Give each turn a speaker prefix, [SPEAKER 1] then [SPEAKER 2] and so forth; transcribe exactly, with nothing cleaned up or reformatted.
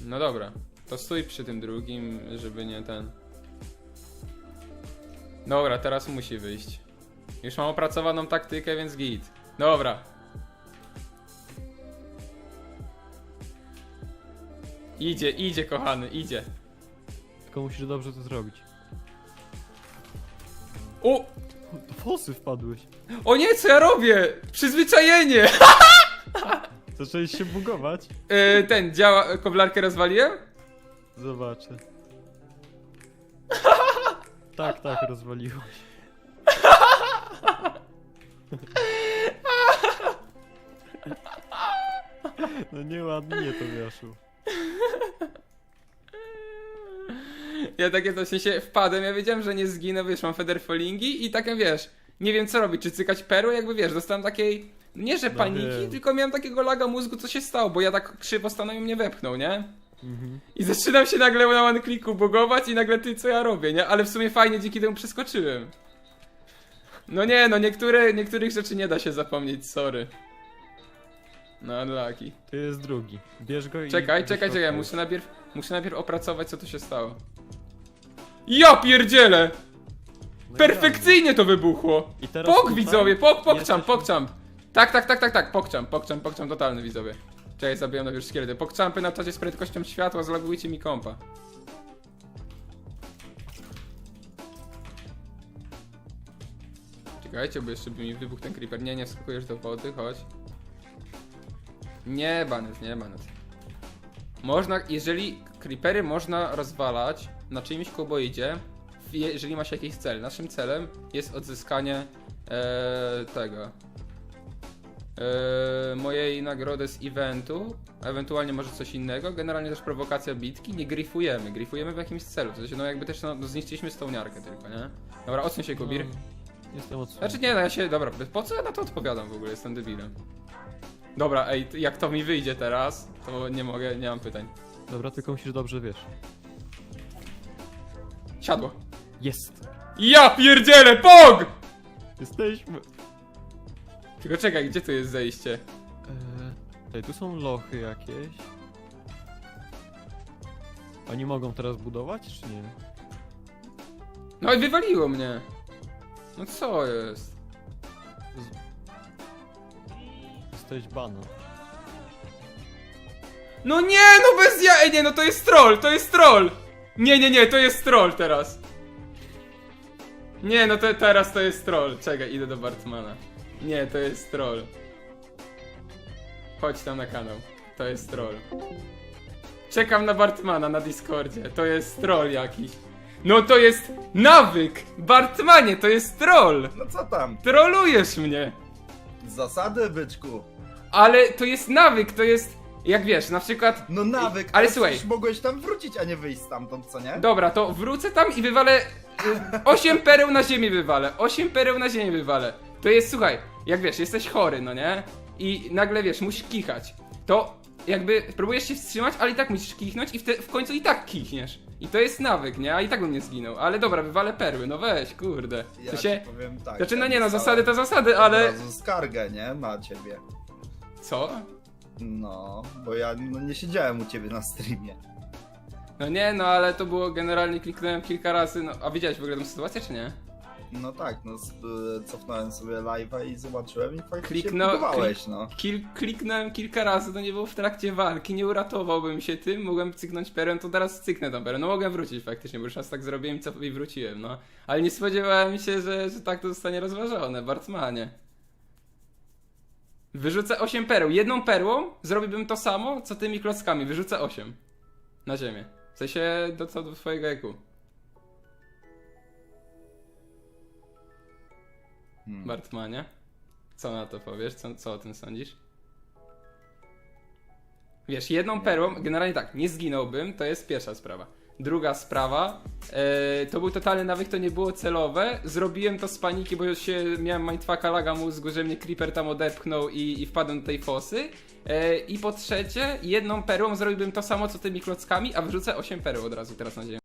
[SPEAKER 1] No dobra, to stój przy tym drugim, żeby nie ten... Dobra, teraz musi wyjść. Już mam opracowaną taktykę, więc git. Dobra. Idzie, idzie kochany, idzie.
[SPEAKER 2] Tylko musisz dobrze to zrobić.
[SPEAKER 1] O!
[SPEAKER 2] Do fosy wpadłeś.
[SPEAKER 1] O nie, co ja robię? Przyzwyczajenie!
[SPEAKER 2] Zacząłeś się bugować?
[SPEAKER 1] Yy, ten, działa, koblarkę rozwaliłem?
[SPEAKER 2] Zobaczę. Tak, tak, rozwaliłeś. No nieładnie to wiaszu.
[SPEAKER 1] Ja takie to w sensie wpadłem, ja wiedziałem, że nie zginę, wiesz, mam federfolingi i takie wiesz, nie wiem co robić, czy cykać perły, jakby wiesz, dostałem takiej, nie że
[SPEAKER 2] No
[SPEAKER 1] paniki,
[SPEAKER 2] wiem.
[SPEAKER 1] tylko miałem takiego laga mózgu, co się stało, bo ja tak krzywo stanąłem i mnie wepchnął, nie?
[SPEAKER 2] Mhm.
[SPEAKER 1] I zaczynam się nagle na one clicku bugować i nagle ty, co ja robię, nie? Ale w sumie fajnie, dzięki temu przeskoczyłem. No nie, no niektóre, niektórych rzeczy nie da się zapomnieć, sorry. No unlucky.
[SPEAKER 2] To jest drugi. Bierz go i...
[SPEAKER 1] Czekaj,
[SPEAKER 2] do
[SPEAKER 1] czekaj,
[SPEAKER 2] środka.
[SPEAKER 1] czekaj, muszę najpierw, muszę najpierw opracować, co tu się stało. Ja pierdzielę!
[SPEAKER 2] No i
[SPEAKER 1] Perfekcyjnie to wybuchło!
[SPEAKER 2] I teraz
[SPEAKER 1] Pok,
[SPEAKER 2] tutaj
[SPEAKER 1] widzowie, pok, pokczam,
[SPEAKER 2] jesteśmy-
[SPEAKER 1] pokczam. Tak, tak, tak, tak, tak, pokczam, pokczam, pokczam totalny, widzowie. Czekaj, zabijam najpierw szkielety. Pokczampy na czacie z prędkością światła, zlogujcie mi kompa. Czekajcie, bo jeszcze by mi wybuchł ten creeper. Nie, nie wskakujesz do wody, chodź. Nie, banet, nie, banet. Można, jeżeli creepery można rozwalać na czyimś kuboidzie, jeżeli ma się jakiś cel. Naszym celem jest odzyskanie e, tego e, mojej nagrody z eventu, a ewentualnie może coś innego. Generalnie też prowokacja bitki. Nie grifujemy, grifujemy w jakimś celu. To znaczy, no jakby też no, no zniszczyliśmy stołniarkę tylko, nie? Dobra, odsuń się, Kubir.
[SPEAKER 2] No, jestem odsunięty.
[SPEAKER 1] Znaczy nie, no ja się, dobra, po co ja na to odpowiadam w ogóle, jestem debilem. Dobra, ej, jak to mi wyjdzie teraz, to nie mogę, nie mam pytań.
[SPEAKER 2] Dobra, tylko musisz dobrze, wiesz.
[SPEAKER 1] Siadło.
[SPEAKER 2] Jest!
[SPEAKER 1] Ja pierdzielę, pog!
[SPEAKER 2] Jesteśmy!
[SPEAKER 1] Tylko czekaj, gdzie tu jest zejście?
[SPEAKER 2] Eee, tutaj, tu są lochy jakieś. Oni mogą teraz budować, czy nie?
[SPEAKER 1] No i wywaliło mnie. No co jest?
[SPEAKER 2] Jesteś banan.
[SPEAKER 1] No nie, no bez ja... Ej, nie, no to jest troll, to jest troll! Nie, nie, nie, to jest troll teraz. Nie, no to teraz to jest troll. Czekaj, idę do Bartmana. Nie, to jest troll. Chodź tam na kanał. To jest troll. Czekam na Bartmana na Discordzie. To jest troll jakiś. No to jest nawyk! Bartmanie, to jest troll!
[SPEAKER 3] No co tam?
[SPEAKER 1] Trolujesz mnie!
[SPEAKER 3] Zasady, byczku.
[SPEAKER 1] Ale to jest nawyk, to jest... Jak wiesz, na przykład...
[SPEAKER 3] No nawyk,
[SPEAKER 1] Ale
[SPEAKER 3] ale
[SPEAKER 1] słuchaj.
[SPEAKER 3] przecież mogłeś tam wrócić, a nie wyjść stamtąd, co nie?
[SPEAKER 1] Dobra, to wrócę tam i wywalę... osiem pereł na ziemię wywalę. osiem pereł na ziemię wywalę. To jest, słuchaj, jak wiesz, jesteś chory, no nie? I nagle wiesz, musisz kichać. To jakby próbujesz się wstrzymać, ale i tak musisz kichnąć i w, te, w końcu i tak kichniesz. I to jest nawyk, nie? A i tak bym nie zginął. Ale dobra, wywalę perły, no weź, kurde.
[SPEAKER 3] Ja
[SPEAKER 1] To się...
[SPEAKER 3] ci powiem tak.
[SPEAKER 1] Znaczy, no
[SPEAKER 3] ja
[SPEAKER 1] nie no,
[SPEAKER 3] dostałem
[SPEAKER 1] zasady to zasady,
[SPEAKER 3] Od
[SPEAKER 1] ale...
[SPEAKER 3] razu skargę, nie? Na ciebie.
[SPEAKER 1] Co?
[SPEAKER 3] No, bo ja no, nie siedziałem u ciebie na streamie.
[SPEAKER 1] No nie, no ale to było generalnie, kliknąłem kilka razy, no... A widziałeś w ogóle tę sytuację, czy nie?
[SPEAKER 3] No tak, no sp- cofnąłem sobie live'a i zobaczyłem i faktycznie
[SPEAKER 1] Kliknął-
[SPEAKER 3] próbowałeś, no.
[SPEAKER 1] Kil, kliknąłem kilka razy, to nie było w trakcie walki, nie uratowałbym się tym, mogłem cyknąć perem, to teraz cyknę tą perę. No mogłem wrócić faktycznie, bo już raz tak zrobiłem i, co, i wróciłem, no. Ale nie spodziewałem się, że, że tak to zostanie rozważone, Bartmanie. Wyrzucę osiem pereł, jedną perłą zrobiłbym to samo, co tymi klockami, wyrzucę osiem. Na ziemię. W sensie do co do twojego eku.
[SPEAKER 3] Hmm.
[SPEAKER 1] Bartmanie. Co na to powiesz? Co, co o tym sądzisz? Wiesz, jedną perłą, generalnie tak, nie zginąłbym, to jest pierwsza sprawa. Druga sprawa, e, to był totalny nawyk, to nie było celowe. Zrobiłem to z paniki, bo już się miałem mindfucka laga mózgu, że mnie creeper tam odepchnął i, i wpadłem do tej fosy. E, I po trzecie, jedną perłą zrobiłbym to samo co tymi klockami, a wyrzucę osiem pereł od razu teraz na ziemię.